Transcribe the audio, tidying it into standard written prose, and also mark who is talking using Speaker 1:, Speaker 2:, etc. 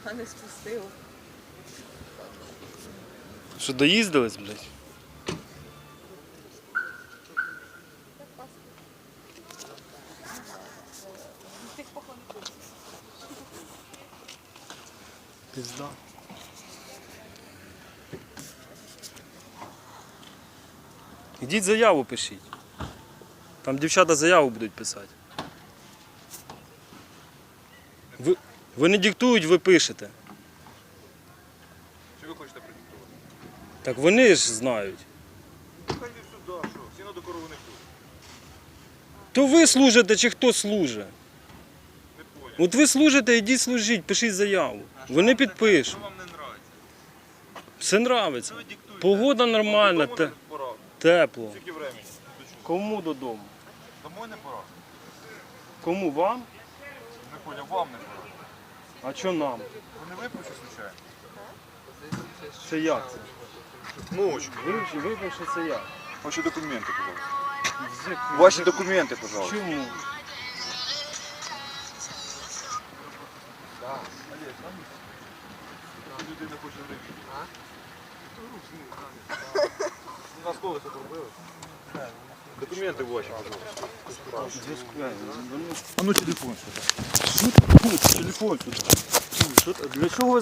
Speaker 1: А не спустила.
Speaker 2: Що, доїздились, блядь? Пизда. Ідіть заяву пишіть. Там дівчата заяву будуть писати. Ви не диктують, ви пишете.
Speaker 3: Чи ви хочете продиктувати?
Speaker 2: Так вони ж знають.
Speaker 3: Хай йдуть сюди, що? Сіно до корови не тут.
Speaker 2: То ви служите чи хто служить?
Speaker 3: Не поняв.
Speaker 2: От ви служите, ідіть служіть, пишіть заяву. Вони підпишуть.
Speaker 3: Що вам не нравиться?
Speaker 2: Все нравиться.
Speaker 3: Ви диктуєте.
Speaker 2: Погода нормальна,
Speaker 3: Додому не пора.
Speaker 2: тепло.
Speaker 3: Скільки времени?
Speaker 2: Кому додому?
Speaker 3: Домой не пора?
Speaker 2: Кому вам?
Speaker 3: Не поняв, вам не пора.
Speaker 2: А що нам?
Speaker 3: Ви не випивши, случайно?
Speaker 2: Це як це?
Speaker 3: Ночку.
Speaker 2: Випивши це як?
Speaker 3: Ваші документи, пожалуйста. Ваші документи, пожалуйста.
Speaker 2: Чому?
Speaker 3: Людина хоче випити. На колесо пробили? Документи ваші, пожалуйста. А ну телефон сюди.
Speaker 2: Телефон сюди. Для чого ви